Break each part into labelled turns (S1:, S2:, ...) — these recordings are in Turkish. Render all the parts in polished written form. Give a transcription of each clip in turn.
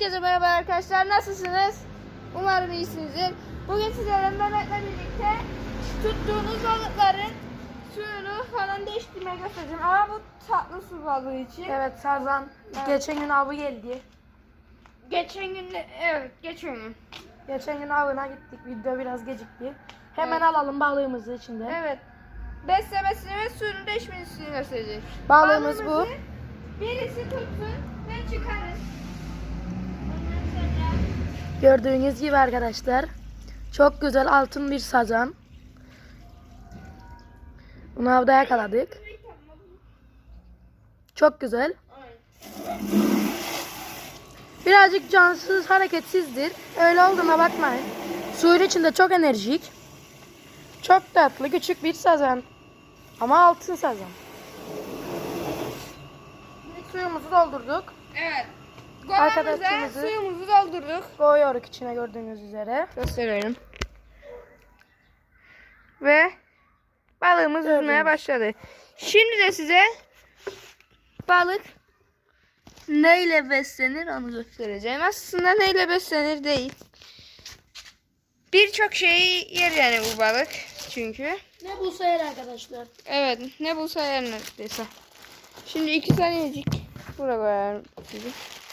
S1: Herkese merhaba arkadaşlar, nasılsınız? Umarım iyisinizdir. Bugün sizlerle Mehmet'le birlikte tuttuğunuz balıkların suyunu falan değiştirmeyi göstereceğim. Ama bu tatlı su balığı için.
S2: Evet Sazan.
S1: Evet.
S2: Geçen gün avı geldi.
S1: Geçen gün.
S2: Geçen gün avına gittik. Video biraz gecikti. Hemen
S1: Evet.
S2: alalım balığımızı içinde.
S1: Evet. Beslemesini ve suyunu değişmesini gösterecek.
S2: Balığımız bu.
S1: Balığımızı birisi tutsun ve çıkarın. Ondan sonra
S2: Gördüğünüz gibi arkadaşlar. Çok güzel altın bir sazan. Bunu avda yakaladık. Çok güzel. Birazcık cansız, hareketsizdir. Öyle olduğuna bakmayın. Suyun içinde çok enerjik. Çok tatlı, küçük bir sazan. Ama altın sazan. Suyumuzu doldurduk.
S1: evet.
S2: Arkadaşımızı-
S1: Kovamıza suyumuzu doldurduk.
S2: Koyuyoruz içine gördüğünüz üzere.
S1: Gösterelim. Ve balığımız
S2: Gördünüz.
S1: yüzmeye başladı. Şimdi de size balık neyle beslenir onu göstereceğim. Aslında neyle beslenir değil. Birçok şeyi yer yani bu balık. Çünkü.
S2: Ne bulsa yer arkadaşlar.
S1: Evet, ne bulsa yer neredeyse. Şimdi 2 saniyecik buraya koyarım sizi.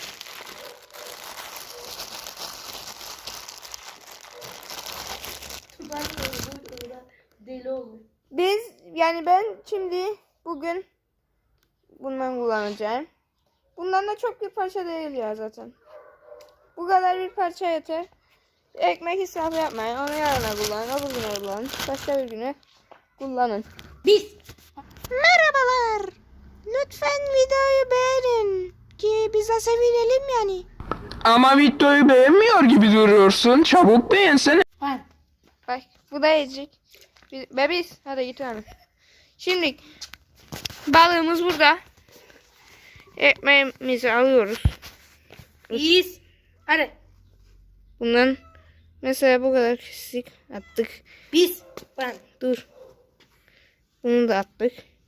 S2: Deli olur.
S1: Ben şimdi bugün bundan kullanacağım. Bundan da çok bir parça değil ya zaten. Bu kadar bir parça yeter. Ekmek israfı yapmayın. Onu yarına kullanın. Öbür güne kullanın. Başka bir güne kullanın.
S2: Biz.
S1: Merhabalar. Lütfen videoyu beğenin. Ki biz de sevinelim yani.
S3: Ama videoyu beğenmiyor gibi duruyorsun. Çabuk beğensene.
S2: Var.
S1: Bak bu da yiyecek. Bebiz. Hadi git abi. Şimdi balığımız burada. Ekmeğimizi alıyoruz.
S2: Biz. Hadi.
S1: Bundan mesela bu kadar kesik attık.
S2: Biz. Ben.
S1: Dur. Bunu da attık.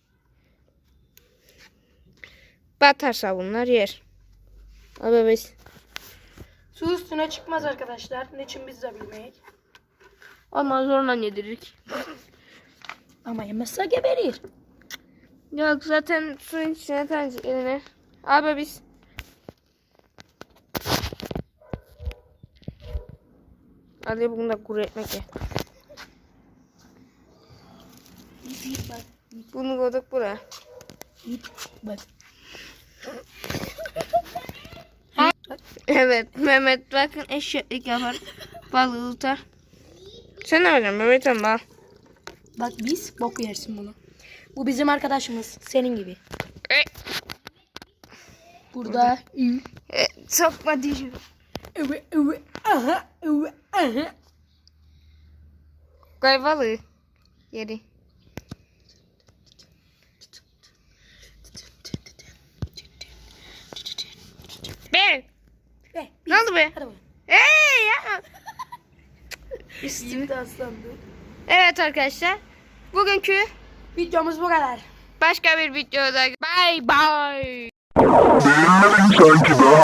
S1: Batarsa bunlar yer. Abi biz.
S2: Su üstüne çıkmaz arkadaşlar. Niçin biz de bilmeyiz.
S1: Ama zorla yedirik.
S2: Ama yemezse geberir.
S1: Yok zaten suyun içine tanecik eline. Abi biz. Hadi bunu da kuru ekmek ye.
S2: Bak.
S1: Bunu koyduk buraya.
S2: Bak.
S1: Evet Mehmet bakın eşeklik yapar. Balığı tutar. Sen ne yapacaksın Mehmet ama?
S2: Bak biz bok yersin bunu. Bu bizim arkadaşımız. Senin gibi. Burada.
S1: Sokma dişim.
S2: Aha. Aha.
S1: Koy balığı. Yeri. Be.
S2: Be.
S1: Ne oldu be?
S2: Hadi bakalım.
S1: Hey ya. Üstüme.
S2: Şimdi aslandı.
S1: Evet arkadaşlar. Bugünkü
S2: Videomuz bu kadar.
S1: başka bir videoda bye bye.
S3: Beğenmedin sanki be.